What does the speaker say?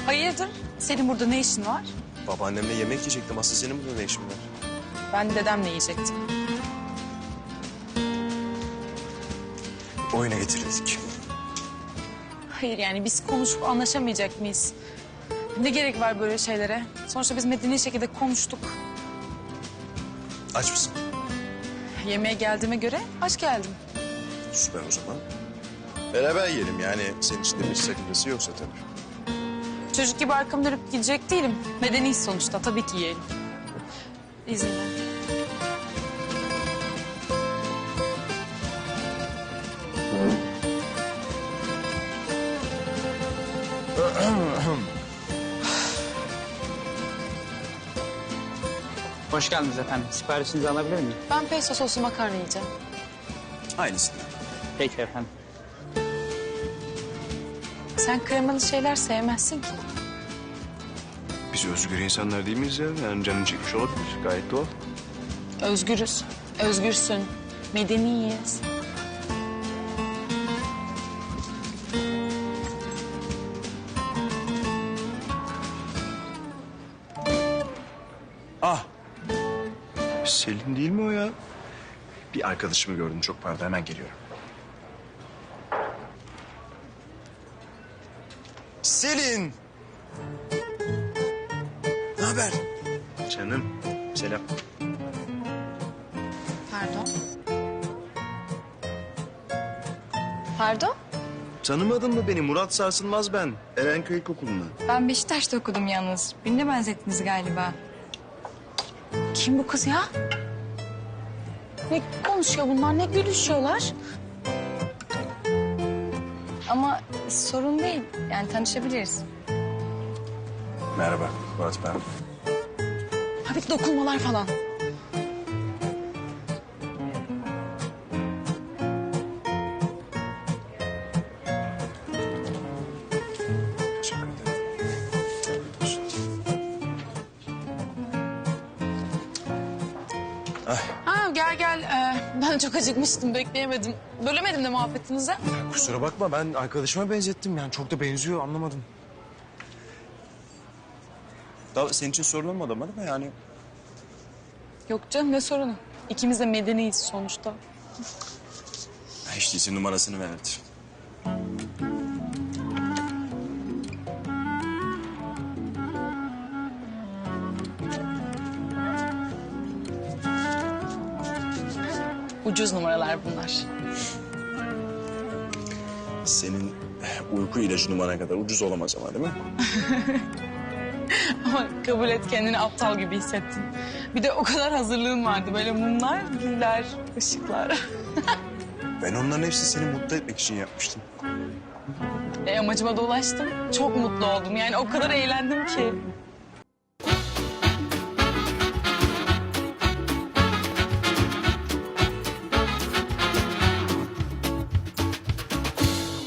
Hayırdır? Senin burada ne işin var? Babaannemle yemek yiyecektim. Asıl senin burada ne işin var? Ben dedemle yiyecektim. Oyuna getirildik. Hayır yani biz konuşup anlaşamayacak mıyız? Ne gerek var böyle şeylere? Sonuçta biz medeni şekilde konuştuk. Aç mısın? Yemeğe geldiğime göre aç geldim. Süper o zaman. Beraber yiyelim yani. Senin için de bir sakıncası yoksa tabii. Çocuk gibi arkamı dönüp gidecek değilim. Medeniyiz sonuçta, tabii ki yiyelim. İzinle. Hoş geldiniz efendim. Siparişinizi alabilir miyim? Ben pesto soslu makarna yiyeceğim. Aynısını. Peki efendim. Sen kremalı şeyler sevmezsin ki. Biz özgür insanlar değil miyiz ya? Yani canın çekmiş olabilir. Gayet doğal. Özgürüz. Özgürsün. Medeniyiz. Ah! Selin değil mi o ya? Bir arkadaşımı gördüm. Çok pardon. Hemen geliyorum. Selin! Ne haber? Canım. Selam. Pardon. Pardon? Tanımadın mı beni? Murat Sarsılmaz ben. Erenköy İlkokulu'ndan. Ben Beşiktaş'ta okudum yalnız. Birine benzettiniz galiba. Kim bu kız ya? Ne konuşuyor bunlar, ne gülüşüyorlar? Ama sorun değil. Yani tanışabiliriz. Merhaba. Murat ben. Hafif dokunmalar falan. Teşekkür ederim. Ay, Ha gel gel. Ben çok acıkmıştım, bekleyemedim. Bölemedim de muhabbetinizi. kusura bakma ben arkadaşıma benzettim. Yani çok da benziyor anlamadım. Daha senin için sorun olmadı ama değil mi yani? Yok canım, ne sorunu? İkimiz de medeniyiz sonuçta. Hiç değilse numarasını verdi. Ucuz numaralar bunlar. Senin uyku ilacı numara kadar ucuz olamaz ama değil mi? Ama kabul et, kendini aptal gibi hissettin. Bir de o kadar hazırlığın vardı. Böyle mumlar, güller, ışıklar. Ben onların hepsini seni mutlu etmek için yapmıştım. Amacıma da ulaştım. Çok mutlu oldum. Yani o kadar eğlendim ki.